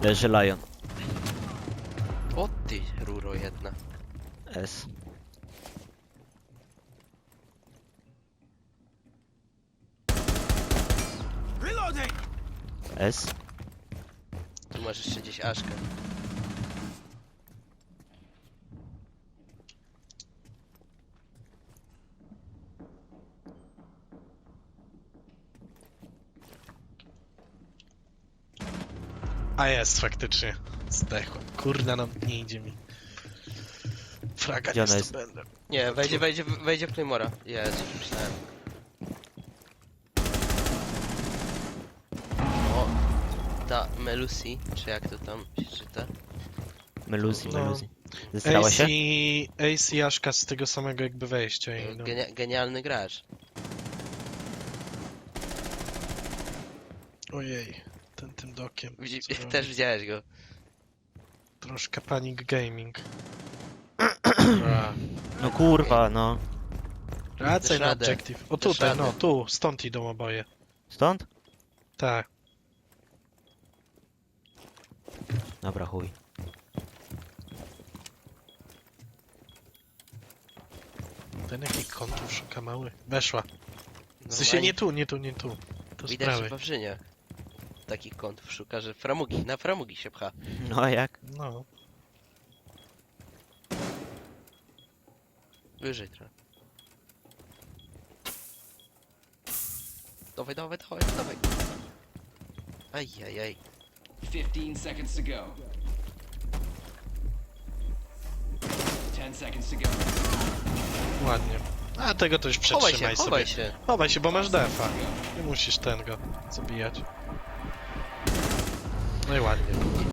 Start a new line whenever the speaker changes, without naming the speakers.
Leży Lion.
O ty, ruro jedna.
S. S.
Tu masz jeszcze gdzieś Aszkę.
A jest faktycznie. Zdechłem. Kurde, no nie idzie mi. Fraga
Gdzie
nie
ona jest?
zdobędę.
Nie, wejdzie w Claymora. Jezu, myślałem. O, ta Melusi, czy jak to tam się czyta?
Meluzi,
No.
Meluzi. Zesrała się?
Ace i Aszka z tego samego jakby wejścia i no.
Genialny gracz.
Ojej, tym dokiem. Co robi?
Też widziałeś go.
Troszkę panic gaming.
No kurwa, no.
Wracaj na
radę.
objective. O
Dasz
tutaj,
radę.
no tu, stąd idą oboje.
Stąd?
Tak.
Dobra, chuj.
Ten jaki kątów szuka mały. Weszła. W sensie
Normalnie
nie tu, nie tu, nie tu. To z
widać, że
prawej.
Wawrzyniak takich kątów szuka, że na framugi się pcha.
No a jak?
No.
Wyżej trochę. Dawaj. Ajajaj.
15 seconds to go. 10 seconds to go.
Ładnie. A tego to już przetrzymaj sobie.
Chowaj się.
Chowaj się, bo masz defa. Nie musisz ten go zabijać. No i ładnie.